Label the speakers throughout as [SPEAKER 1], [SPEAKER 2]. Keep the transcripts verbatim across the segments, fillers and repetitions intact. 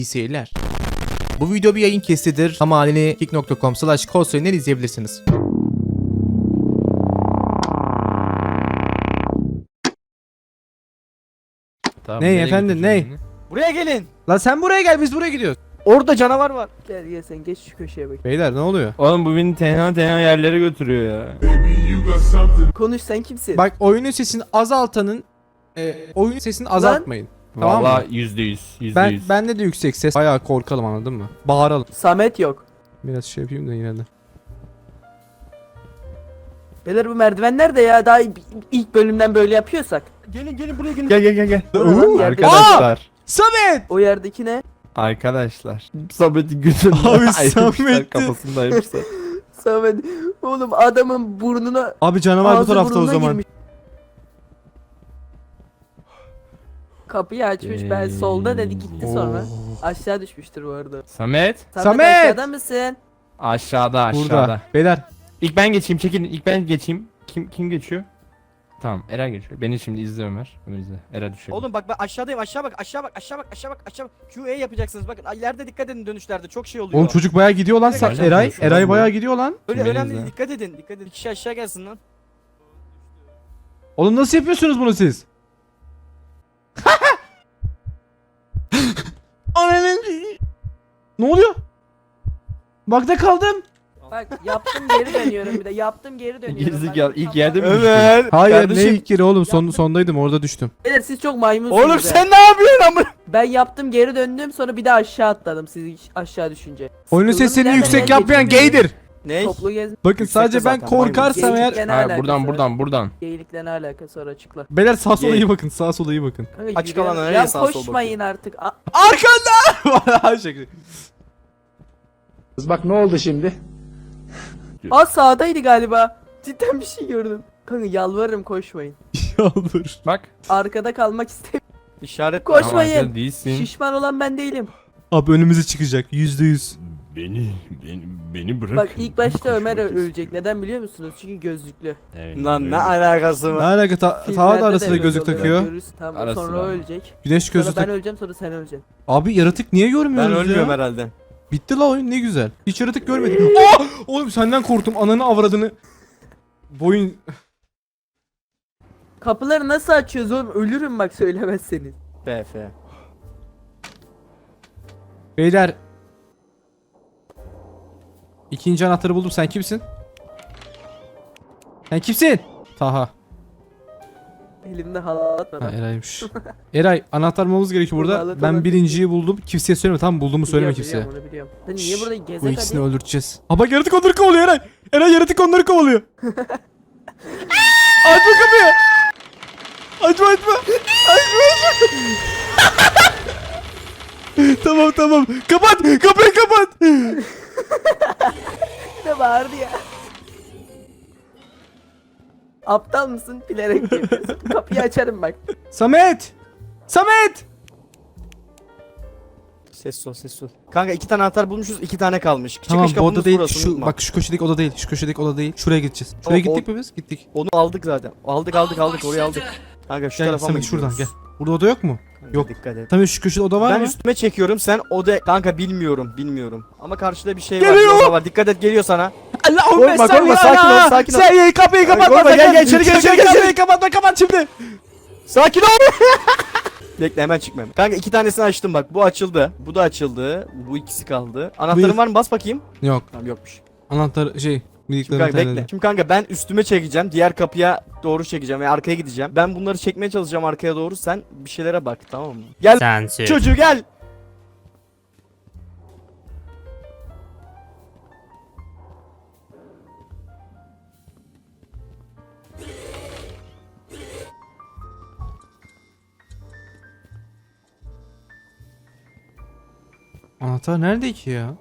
[SPEAKER 1] İyi seyirler. Bu video bir yayın kestidir ama halini kick nokta com slash kolsoyundan izleyebilirsiniz.
[SPEAKER 2] Tamam,
[SPEAKER 1] Ney
[SPEAKER 2] nereye
[SPEAKER 1] efendim,
[SPEAKER 2] götüreceğim
[SPEAKER 1] ney?
[SPEAKER 2] beni?
[SPEAKER 3] Buraya gelin.
[SPEAKER 1] Lan sen buraya gel, biz buraya gidiyoruz.
[SPEAKER 3] Orada canavar var. Gel gel sen geç şu köşeye bak.
[SPEAKER 1] Beyler ne oluyor?
[SPEAKER 2] Oğlum bu beni tenha tenha yerlere götürüyor ya.
[SPEAKER 3] Konuş, sen kimsin?
[SPEAKER 1] Bak, oyunun sesini azaltanın e, oyunun sesini azaltmayın. Tamam mı?
[SPEAKER 2] Valla yüzde yüz. Yüzde
[SPEAKER 1] Ben
[SPEAKER 2] yüz.
[SPEAKER 1] bende de yüksek ses. Bayağı korkalım, anladın mı? Bağıralım.
[SPEAKER 3] Samet yok.
[SPEAKER 1] Biraz şey yapayım da yine de.
[SPEAKER 3] Beyler bu merdiven nerede ya? Daha ilk- ilk bölümden böyle yapıyorsak.
[SPEAKER 2] Gelin gelin buraya gelin. Gel gel gel gel.
[SPEAKER 3] Uuu,
[SPEAKER 2] Arkadaşlar.
[SPEAKER 1] Samet!
[SPEAKER 3] O yerdeki ne?
[SPEAKER 2] Arkadaşlar. Samet'in gözünde
[SPEAKER 1] Abi,
[SPEAKER 2] ayırmışlar,
[SPEAKER 1] Samet'i-
[SPEAKER 2] kafasında ayırmışlar.
[SPEAKER 3] Samet. Oğlum adamın burnuna
[SPEAKER 1] Abi canavar bu
[SPEAKER 3] ağzı
[SPEAKER 1] tarafta o
[SPEAKER 3] burnuna
[SPEAKER 1] zaman.
[SPEAKER 3] girmiş. Kapıyı açmış, ben solda dedi gitti sonra. Aşağı düşmüştür bu arada.
[SPEAKER 2] Samet.
[SPEAKER 3] Samet,
[SPEAKER 1] Samet!
[SPEAKER 3] aşağıda mısın?
[SPEAKER 2] Aşağıda aşağıda.
[SPEAKER 1] Burada. Beyler.
[SPEAKER 2] İlk ben geçeyim, çekilin. İlk ben geçeyim. Kim kim geçiyor? Tamam, Eren geçiyor. Beni şimdi izle Ömer. Ömer izle. Eren düşüyor.
[SPEAKER 4] Oğlum bak ben aşağıdayım, aşağı bak, aşağı bak, aşağı bak, aşağı bak, aşağı bak. Q E yapacaksınız bakın. İleride dikkat edin, dönüşlerde çok şey oluyor.
[SPEAKER 1] Oğlum çocuk bayağı gidiyor lan. Sa-
[SPEAKER 2] Öyle
[SPEAKER 1] Eray.
[SPEAKER 2] konuşuyor
[SPEAKER 1] Eray
[SPEAKER 2] lan bu.
[SPEAKER 1] bayağı gidiyor lan.
[SPEAKER 4] Öyle
[SPEAKER 2] Beni
[SPEAKER 4] önemli
[SPEAKER 2] izle.
[SPEAKER 4] değil, dikkat edin, dikkat edin. Bir kişi aşağı gelsin lan.
[SPEAKER 1] Oğlum nasıl yapıyorsunuz bunu siz? Ananın. Ne oluyor? Bakta kaldım.
[SPEAKER 3] Bak yaptım geri dönüyorum bir de yaptım geri dönüyorum.
[SPEAKER 2] Gerizekalı,
[SPEAKER 3] Bak,
[SPEAKER 2] ilk yerde mi
[SPEAKER 3] Ömer.
[SPEAKER 1] Hayır,
[SPEAKER 2] Kardeşim-
[SPEAKER 1] ne ilk kere oğlum, son, sondaydım, orada düştüm.
[SPEAKER 3] Beyler siz çok maymunsunuz.
[SPEAKER 4] Oğlum
[SPEAKER 3] ya.
[SPEAKER 4] sen ne yapıyorsun amına?
[SPEAKER 3] Ben yaptım geri döndüm sonra bir de aşağı atladım siz aşağı düşünce.
[SPEAKER 1] Oyunun
[SPEAKER 3] Sıkıldım,
[SPEAKER 1] sesini
[SPEAKER 3] nereden
[SPEAKER 1] yüksek
[SPEAKER 3] nereye
[SPEAKER 1] yapmayan
[SPEAKER 3] geçeyim
[SPEAKER 1] gaydir.
[SPEAKER 4] Ne?
[SPEAKER 3] Toplu gez.
[SPEAKER 1] Bakın
[SPEAKER 4] Yüksekte
[SPEAKER 1] sadece ben
[SPEAKER 4] zaten,
[SPEAKER 1] korkarsam eğer.
[SPEAKER 3] Geyikle ne
[SPEAKER 2] Ha,
[SPEAKER 3] alakası
[SPEAKER 2] buradan
[SPEAKER 3] var?
[SPEAKER 2] buradan buradan.
[SPEAKER 3] Geyikle ne alakası var açıkla.
[SPEAKER 1] Beyler sağa sola
[SPEAKER 4] Geyik.
[SPEAKER 1] iyi bakın, sağa sola iyi bakın.
[SPEAKER 3] Kanka,
[SPEAKER 4] Açık
[SPEAKER 3] yürüyen-
[SPEAKER 4] alana nereye
[SPEAKER 3] Ya
[SPEAKER 4] sağa sola
[SPEAKER 3] koşmayın artık. A-
[SPEAKER 1] Arkanda! Şaka.
[SPEAKER 5] Bak ne oldu şimdi?
[SPEAKER 3] Aa sağdaydı galiba. Cidden bir şey gördüm. Kanka yalvarırım koşmayın.
[SPEAKER 1] Yalvar.
[SPEAKER 2] Bak.
[SPEAKER 3] Arkada kalmak istemiyorum.
[SPEAKER 4] İşaret
[SPEAKER 3] Koş.
[SPEAKER 2] Tamam,
[SPEAKER 3] Koşmayın.
[SPEAKER 2] sen değilsin.
[SPEAKER 3] Şişman olan ben değilim.
[SPEAKER 1] Abi önümüze çıkacak yüzde yüz.
[SPEAKER 2] Beni beni beni bırak.
[SPEAKER 3] Bak ilk başta Ömer ölecek. Neden biliyor musunuz? Çünkü gözlüklü.
[SPEAKER 2] Evet,
[SPEAKER 4] Lan ne
[SPEAKER 2] öyle.
[SPEAKER 4] alakası
[SPEAKER 1] Ne
[SPEAKER 4] var?
[SPEAKER 1] alaka, ta
[SPEAKER 3] Filmlerde
[SPEAKER 1] Taha da arasında
[SPEAKER 3] böyle
[SPEAKER 1] gözlük
[SPEAKER 3] oluyor.
[SPEAKER 1] takıyor.
[SPEAKER 3] Görürsün, tamam,
[SPEAKER 2] Arası
[SPEAKER 3] sonra o
[SPEAKER 2] var.
[SPEAKER 3] ölecek.
[SPEAKER 1] Güneş
[SPEAKER 3] Sonra
[SPEAKER 1] gözlük
[SPEAKER 3] ben
[SPEAKER 1] tak.
[SPEAKER 3] öleceğim sonra sen öleceksin.
[SPEAKER 1] Abi yaratık niye görmüyoruz
[SPEAKER 4] Ben
[SPEAKER 1] ya?
[SPEAKER 4] ölmüyorum herhalde.
[SPEAKER 1] Bitti la oyun, ne güzel. Hiç yaratık görmedim. Aa! Oğlum senden korktum, ananı avradını. Boyun.
[SPEAKER 3] Kapıları nasıl açıyoruz oğlum? Ölürüm bak söylemezseniz.
[SPEAKER 4] B F.
[SPEAKER 1] Beyler. İkinci anahtarı buldum, sen kimsin? Sen kimsin? Taha.
[SPEAKER 3] Elimde halat var.
[SPEAKER 1] Ha, Eray'mış. Eray, anahtar bulmamız gerekiyor burada.
[SPEAKER 3] Halat
[SPEAKER 1] Ben
[SPEAKER 3] olan-
[SPEAKER 1] birinciyi buldum. Kimseye söyleme, tamam, bulduğumu söyleme
[SPEAKER 3] Biliyorum,
[SPEAKER 1] kimseye.
[SPEAKER 3] biliyorum, onu biliyorum. Sen niye burada
[SPEAKER 1] Bu
[SPEAKER 3] gezek
[SPEAKER 1] ikisini
[SPEAKER 3] hadi?
[SPEAKER 1] öldüreceğiz. Ha bak, yaratık onları kovalıyor Eray. Eray, yaratık onları kovalıyor. Açma kapıyı. Açma açma. Açma açma. Tamam tamam. Kapat. Kapıyı kapat.
[SPEAKER 3] Ne bağırdı ya? Aptal mısın? Bilerek yapıyorsun. Kapıyı açarım bak.
[SPEAKER 1] Samet. Samet.
[SPEAKER 4] Ses ol ses ol. Kanka iki tane anahtar bulmuşuz, iki tane kalmış.
[SPEAKER 1] Tamam,
[SPEAKER 4] Çıkış
[SPEAKER 1] bu oda
[SPEAKER 4] kapımız
[SPEAKER 1] değil.
[SPEAKER 4] burası,
[SPEAKER 1] Şu
[SPEAKER 4] unutma.
[SPEAKER 1] bak, şu köşedeki oda değil. Şu köşedeki oda değil. Şuraya gideceğiz. Şuraya
[SPEAKER 4] Tamam,
[SPEAKER 1] gittik
[SPEAKER 4] o-
[SPEAKER 1] mi biz? Gittik.
[SPEAKER 4] Onu aldık zaten. Aldık aldık aldık oraya aldık. Kanka şu
[SPEAKER 1] Gel
[SPEAKER 4] tarafa mı
[SPEAKER 1] Samet, şuradan gel.
[SPEAKER 4] gidiyoruz?
[SPEAKER 1] Burada oda yok mu?
[SPEAKER 4] Kanka,
[SPEAKER 1] Yok.
[SPEAKER 4] Dikkat et.
[SPEAKER 1] Tamam, şu köşede oda var
[SPEAKER 4] Ben
[SPEAKER 1] mı?
[SPEAKER 4] üstüme çekiyorum, sen oda... Kanka bilmiyorum, bilmiyorum. Ama karşıda bir şey
[SPEAKER 1] Geliyor!
[SPEAKER 4] var, bir oda var. Dikkat et, geliyor sana.
[SPEAKER 1] Allahümme
[SPEAKER 4] Korkma,
[SPEAKER 1] salli
[SPEAKER 4] korkma, sakin ol,
[SPEAKER 1] ala.
[SPEAKER 4] sakin ol.
[SPEAKER 1] Sen kapıyı
[SPEAKER 4] Ay,
[SPEAKER 1] kapatma.
[SPEAKER 4] korkma, gel,
[SPEAKER 1] sakın.
[SPEAKER 4] gel, içeri gel, içeri gel,
[SPEAKER 1] Kapıyı
[SPEAKER 4] içeri.
[SPEAKER 1] kapatma, kapat şimdi.
[SPEAKER 4] Sakin ol. Bekle, hemen çıkmam. Kanka iki tanesini açtım bak. Bu açıldı. Bu da açıldı. Bu ikisi kaldı. Anahtarın
[SPEAKER 1] Buyur.
[SPEAKER 4] var mı? Bas bakayım.
[SPEAKER 1] Yok.
[SPEAKER 4] Tamam, yokmuş.
[SPEAKER 1] Anahtar şey.
[SPEAKER 4] Şimdi
[SPEAKER 1] Bildiklerini
[SPEAKER 4] kanka bekle.
[SPEAKER 1] terledim.
[SPEAKER 4] Şimdi kanka ben üstüme çekeceğim. Diğer kapıya doğru çekeceğim ve arkaya gideceğim. Ben bunları çekmeye çalışacağım arkaya doğru. Sen bir şeylere bak, tamam mı? Gel
[SPEAKER 2] Sensin.
[SPEAKER 4] çocuğu gel.
[SPEAKER 1] Anahtar nerede ki ya?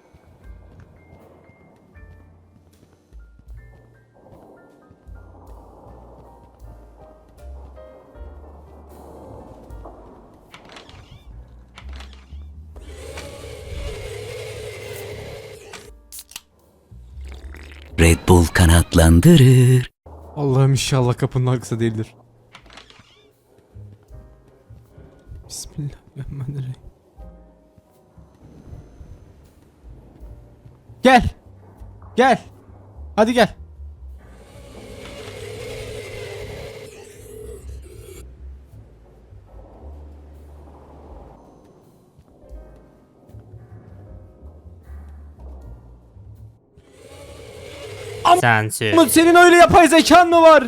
[SPEAKER 6] Red Bull kanatlandırır.
[SPEAKER 1] Allah'ım inşallah kapının arkası değildir. Bismillahirrahmanirrahim. Gel. Gel. Hadi gel.
[SPEAKER 5] Sansür.
[SPEAKER 1] Ama senin öyle yapay zekan mı var?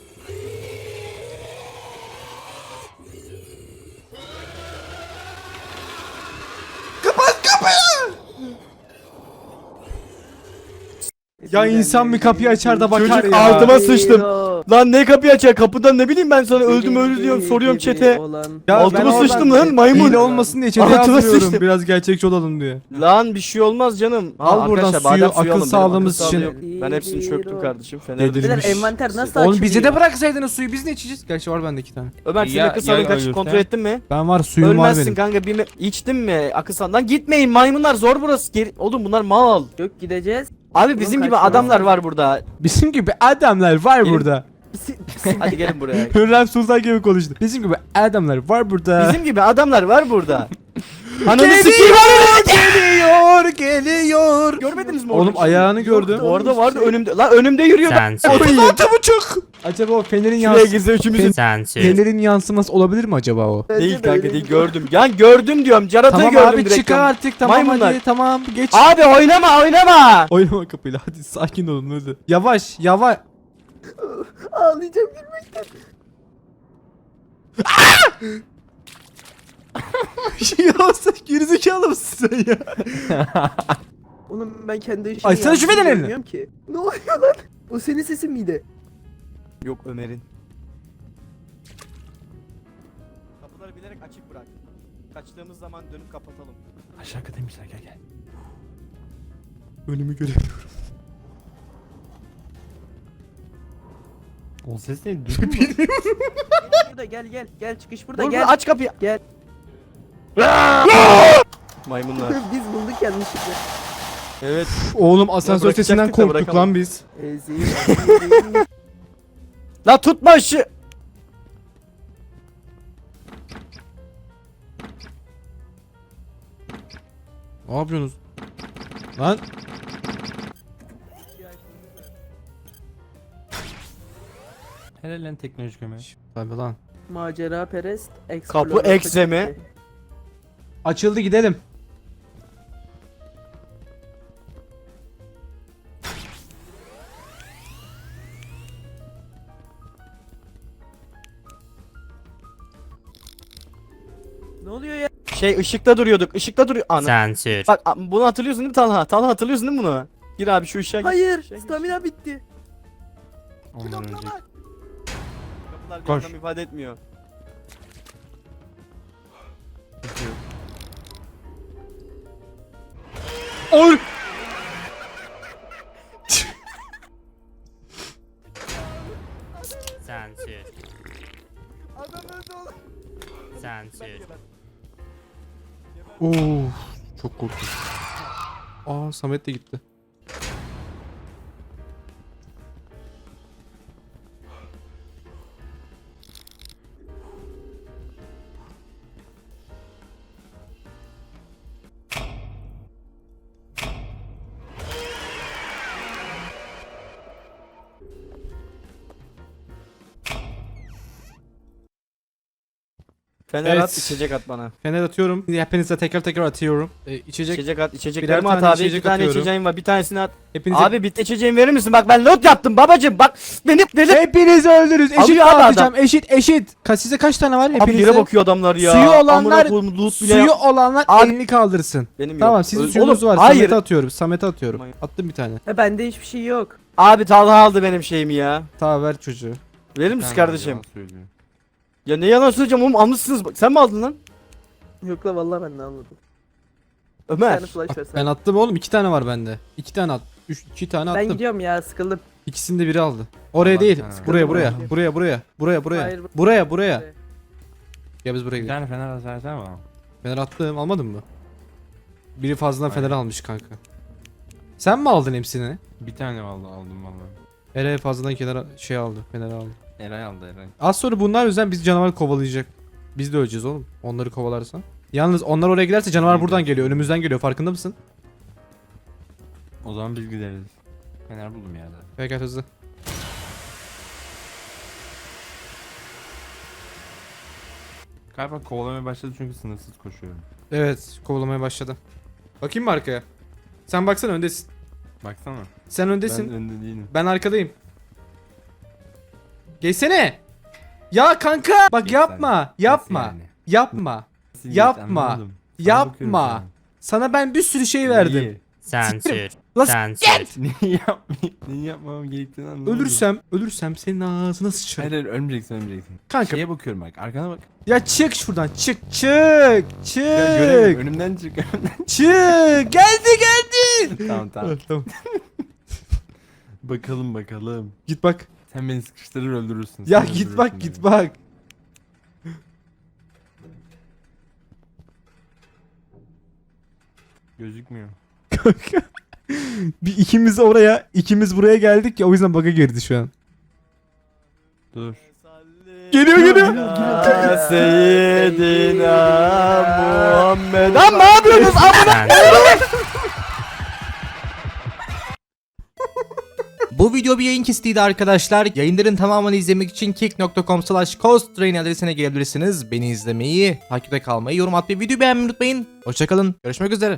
[SPEAKER 1] Ya insan bir kapıyı açar da bakar
[SPEAKER 4] Çocuk
[SPEAKER 1] ya.
[SPEAKER 4] altıma sıçtım. Lan ne kapıyı açar kapıdan ne bileyim ben sana öldüm öldü diyorum soruyorum çete.
[SPEAKER 1] Ya
[SPEAKER 4] Altıma
[SPEAKER 1] ben oradan
[SPEAKER 4] sıçtım lan maymun.
[SPEAKER 1] Hile olmasın diye chat'e
[SPEAKER 4] Altıma
[SPEAKER 1] yazmıyorum.
[SPEAKER 4] sıçtım.
[SPEAKER 1] Biraz gerçekçi olalım diye.
[SPEAKER 4] Lan bir şey olmaz canım.
[SPEAKER 1] Al
[SPEAKER 4] Ha,
[SPEAKER 1] buradan
[SPEAKER 4] arkadaşlar,
[SPEAKER 1] suyu,
[SPEAKER 4] badem
[SPEAKER 1] akıl
[SPEAKER 4] alın, benim
[SPEAKER 1] sağlığımız
[SPEAKER 4] akıl sağlığım
[SPEAKER 1] için.
[SPEAKER 4] yok. Ben hepsini çöktüm kardeşim. Fener
[SPEAKER 1] Delirmiş.
[SPEAKER 3] Beyler envanter nasıl açılıyor?
[SPEAKER 1] Oğlum bize de bıraksaydınız suyu, biz ne içeceğiz? Gerçi var bende iki tane.
[SPEAKER 4] Ömer senin
[SPEAKER 2] Ya-
[SPEAKER 4] akıl sağlığın
[SPEAKER 2] ya
[SPEAKER 4] kaç
[SPEAKER 2] ölürsen?
[SPEAKER 4] kontrol ettin mi?
[SPEAKER 1] Ben var, suyum var
[SPEAKER 4] Ölmezsin
[SPEAKER 1] benim.
[SPEAKER 4] kanka bir me- içtin mi akıl sağlığından gitmeyin maymunlar zor burası. Geri... Oğlum bunlar mal.
[SPEAKER 3] Yok gideceğiz.
[SPEAKER 4] Abi bizim
[SPEAKER 3] Oğlum
[SPEAKER 4] gibi
[SPEAKER 3] kaçma.
[SPEAKER 4] adamlar var burada.
[SPEAKER 1] Bizim gibi adamlar var
[SPEAKER 4] Gelin.
[SPEAKER 1] burada.
[SPEAKER 4] Hadi gelin buraya.
[SPEAKER 1] Hürrem Sultan gibi konuştu. Bizim gibi adamlar var burada.
[SPEAKER 4] Bizim gibi adamlar var burada. Ananı sikeyim
[SPEAKER 1] Geliyor, geliyor, geliyor.
[SPEAKER 4] Görmediniz mi
[SPEAKER 1] Oğlum
[SPEAKER 4] oradaki
[SPEAKER 1] ayağını
[SPEAKER 4] şeyi?
[SPEAKER 1] gördüm.
[SPEAKER 4] Orada vardı önümde. Lan önümde yürüyor.
[SPEAKER 5] Sansür.
[SPEAKER 1] Altı buçuk. Acaba o fenerin
[SPEAKER 4] Şuraya
[SPEAKER 1] yans
[SPEAKER 4] girse üçümüzün.
[SPEAKER 5] Sansür.
[SPEAKER 1] fenerin yansıması olabilir mi acaba o?
[SPEAKER 4] Değil kanka değil gördüm. Yani gördüm diyorum. Caratayı
[SPEAKER 1] Tamam
[SPEAKER 4] gördüm
[SPEAKER 1] abi
[SPEAKER 4] direkt.
[SPEAKER 1] çıkar
[SPEAKER 4] diyorum.
[SPEAKER 1] artık, tamam
[SPEAKER 4] Maymunlar.
[SPEAKER 1] hadi, tamam geç.
[SPEAKER 4] Abi oynama oynama.
[SPEAKER 1] Oynama kapıyla, hadi sakin olun hadi. Yavaş yavaş.
[SPEAKER 3] Ağlayacağım gülmekten.
[SPEAKER 1] Ya sen gerizekalı mısın sen ya?
[SPEAKER 3] Oğlum ben kendi işimi
[SPEAKER 1] Ay, sen şu
[SPEAKER 3] yaptığımı
[SPEAKER 1] fenerini.
[SPEAKER 3] bilmiyorum ki. Ne oluyor lan? O senin sesin miydi?
[SPEAKER 4] Yok Ömer'in. Kapıları bilerek açık bırak. Kaçtığımız zaman dönüp kapatalım.
[SPEAKER 2] Aşağı demişler gel gel.
[SPEAKER 1] Önümü göremiyorum.
[SPEAKER 2] O ses ne? Duydun mu?
[SPEAKER 3] Burada gel gel gel çıkış burada
[SPEAKER 4] Dur
[SPEAKER 3] gel.
[SPEAKER 4] dur aç kapıyı.
[SPEAKER 3] Gel.
[SPEAKER 4] Maymunlar.
[SPEAKER 3] Biz bulduk yanlışlıkla.
[SPEAKER 4] Evet.
[SPEAKER 1] Oğlum asansör
[SPEAKER 4] bırakacaktık
[SPEAKER 1] sesinden
[SPEAKER 4] da
[SPEAKER 1] korktuk
[SPEAKER 4] bırakamadık.
[SPEAKER 1] lan biz.
[SPEAKER 3] Ezeyim. ezeyim.
[SPEAKER 4] La tutma ışığı.
[SPEAKER 1] Ne yapıyorsunuz? Lan.
[SPEAKER 2] Helal lan teknolojik Ömer.
[SPEAKER 1] Tabii lan.
[SPEAKER 3] Macera perest.
[SPEAKER 4] Kapı ekse mi?
[SPEAKER 1] Açıldı, gidelim.
[SPEAKER 3] Ne oluyor ya?
[SPEAKER 4] Şey ışıkta duruyorduk. Işıkta duruyor. Ana.
[SPEAKER 5] Sansür.
[SPEAKER 4] Bak a- bunu hatırlıyorsun değil mi Talha? Talha hatırlıyorsun değil mi bunu? Gir abi şu ışığa gir.
[SPEAKER 3] Hayır.
[SPEAKER 4] Işığa gir.
[SPEAKER 3] Stamina bitti.
[SPEAKER 2] Ondan önce.
[SPEAKER 4] Kapılar bir
[SPEAKER 2] Koş.
[SPEAKER 4] anlam ifade etmiyor.
[SPEAKER 1] Oy.
[SPEAKER 5] Sansür. Sansür.
[SPEAKER 1] Oo, çok korktum. Aa, Samet de gitti.
[SPEAKER 4] Fener
[SPEAKER 1] Evet.
[SPEAKER 4] at içecek at bana.
[SPEAKER 1] Fener atıyorum. Hepinize tekrar tekrar atıyorum. Ee, içecek.
[SPEAKER 4] İçecek at
[SPEAKER 1] Birer
[SPEAKER 4] içeceklerimi at
[SPEAKER 1] tane
[SPEAKER 4] abi.
[SPEAKER 1] içecek
[SPEAKER 4] İki tane
[SPEAKER 1] atıyorum.
[SPEAKER 4] içeceğim var. Bir tanesini at.
[SPEAKER 1] Hepinize.
[SPEAKER 4] Abi bitti içeceğimi verir misin? Bak ben lot yaptım babacım. Bak beni deli.
[SPEAKER 1] Hepinizi öldürürüz. Eşit
[SPEAKER 4] Alıyor abi
[SPEAKER 1] dağıtacağım. Eşit eşit. Ka size kaç tane var
[SPEAKER 4] Abi
[SPEAKER 1] hepinize?
[SPEAKER 4] yere bakıyor adamlar ya.
[SPEAKER 1] Suyu olanlar-
[SPEAKER 4] Amına koyayım, loot bile
[SPEAKER 1] Suyu
[SPEAKER 4] yap-
[SPEAKER 1] olanlar
[SPEAKER 4] Abi-
[SPEAKER 1] elini kaldırsın.
[SPEAKER 4] Benim yok.
[SPEAKER 1] Tamam, sizin
[SPEAKER 4] Oğlum,
[SPEAKER 1] suyunuz var.
[SPEAKER 4] Hayır.
[SPEAKER 1] Samet'e atıyorum. Samet'e atıyorum.
[SPEAKER 4] Hayır.
[SPEAKER 1] Attım bir tane.
[SPEAKER 3] Ha bende hiçbir şey yok.
[SPEAKER 4] Abi Talha aldı benim şeyimi ya.
[SPEAKER 1] Tamam, ver çocuğu.
[SPEAKER 4] Verir misin
[SPEAKER 2] Sen
[SPEAKER 4] kardeşim?
[SPEAKER 2] yalan söylüyorsun.
[SPEAKER 4] Ya ne yalan söyleyeceğim oğlum almışsınız. Bak, sen mi aldın lan?
[SPEAKER 3] Yok la vallahi ben de anladım. Bir
[SPEAKER 4] Ömer.
[SPEAKER 3] tane flash versen.
[SPEAKER 1] Ben attım oğlum, iki tane var bende. İki tane at. Üç, iki tane
[SPEAKER 3] Ben
[SPEAKER 1] attım.
[SPEAKER 3] gidiyorum ya sıkıldım.
[SPEAKER 1] İkisini de biri aldı. Oraya
[SPEAKER 2] Allah
[SPEAKER 1] değil.
[SPEAKER 2] sana.
[SPEAKER 1] Buraya buraya.
[SPEAKER 3] Sıkıldım
[SPEAKER 1] Buraya buraya. Buraya buraya.
[SPEAKER 3] Hayır, bu-
[SPEAKER 1] Buraya buraya.
[SPEAKER 3] Buraya.
[SPEAKER 1] Ya biz buraya
[SPEAKER 2] Bir
[SPEAKER 1] gidelim.
[SPEAKER 2] tane fener atarsan mı?
[SPEAKER 1] Fener attım, almadın mı? Biri fazladan fener almış kanka. Sen mi aldın hepsini?
[SPEAKER 2] Bir tane aldı aldım vallahi.
[SPEAKER 1] Eray fazladan kenara şey aldı. Fener aldı.
[SPEAKER 2] Eray aldı Eray.
[SPEAKER 1] Az sonra bunlar yüzden biz canavar kovalayacak. Biz de öleceğiz oğlum. Onları kovalarsan. Yalnız onlar oraya giderse canavar buradan geliyor. Önümüzden geliyor. Farkında mısın?
[SPEAKER 2] O zaman biz gideriz. Fener buldum yerde.
[SPEAKER 1] Peki hızlı.
[SPEAKER 2] Galiba kovalamaya başladı çünkü sınırsız koşuyorum.
[SPEAKER 1] Evet, kovalamaya başladı. Bakayım mı arkaya? Sen baksana, öndesin.
[SPEAKER 2] Baksana.
[SPEAKER 1] Sen öndesin.
[SPEAKER 2] Ben önde değilim.
[SPEAKER 1] Ben arkadayım. Geçsene. Ya kanka. Bak
[SPEAKER 2] Geç
[SPEAKER 1] yapma.
[SPEAKER 2] sen.
[SPEAKER 1] Yapma.
[SPEAKER 2] Nasıl yani?
[SPEAKER 1] Yapma.
[SPEAKER 2] Nasıl geç?
[SPEAKER 1] Yapma.
[SPEAKER 2] Anlamadım. Sana bakıyorum
[SPEAKER 1] Yapma.
[SPEAKER 2] şu an.
[SPEAKER 1] Sana ben bir sürü şey verdim.
[SPEAKER 2] Neyi?
[SPEAKER 5] Sansür.
[SPEAKER 1] Lan
[SPEAKER 5] Sansür.
[SPEAKER 2] Neyi yapmayayım? Neyi yapmam gerektiğini anlamadım.
[SPEAKER 1] Ölürsem, ölürsem senin ağzına sıçarım.
[SPEAKER 2] Hayır hayır ölmeyeceksin ölmeyeceksin.
[SPEAKER 1] Kanka.
[SPEAKER 2] Şeye bakıyorum bak arkana bak.
[SPEAKER 1] Ya çık şuradan. Çık. Çık.
[SPEAKER 2] Ya göremiyorum
[SPEAKER 1] Çık.
[SPEAKER 2] önümden çık önümden.
[SPEAKER 1] Çık. Geldi geldi.
[SPEAKER 2] Tamam tamam.
[SPEAKER 1] Tamam.
[SPEAKER 2] Bakalım bakalım.
[SPEAKER 1] Git bak.
[SPEAKER 2] Sen beni sıkıştırır öldürürsün.
[SPEAKER 1] Ya
[SPEAKER 2] Sen
[SPEAKER 1] git bak,
[SPEAKER 2] öldürürsün
[SPEAKER 1] git
[SPEAKER 2] beni.
[SPEAKER 1] bak.
[SPEAKER 2] Gözükmüyor.
[SPEAKER 1] Bir ikimiz oraya, ikimiz buraya geldik ya, o yüzden bug'a girdi şu an.
[SPEAKER 2] Dur.
[SPEAKER 1] Geliyor geliyor.
[SPEAKER 4] Ya Seyyidina Muhammed. Lan ne yapıyorsunuz?
[SPEAKER 5] Sansür.
[SPEAKER 1] Bu video bir yayın kesitiydi arkadaşlar. Yayınların tamamını izlemek için kick nokta com slash costrain adresine gelebilirsiniz. Beni izlemeyi, takipte kalmayı, yorum atmayı, videoyu beğenmeyi unutmayın. Hoşçakalın. Görüşmek üzere.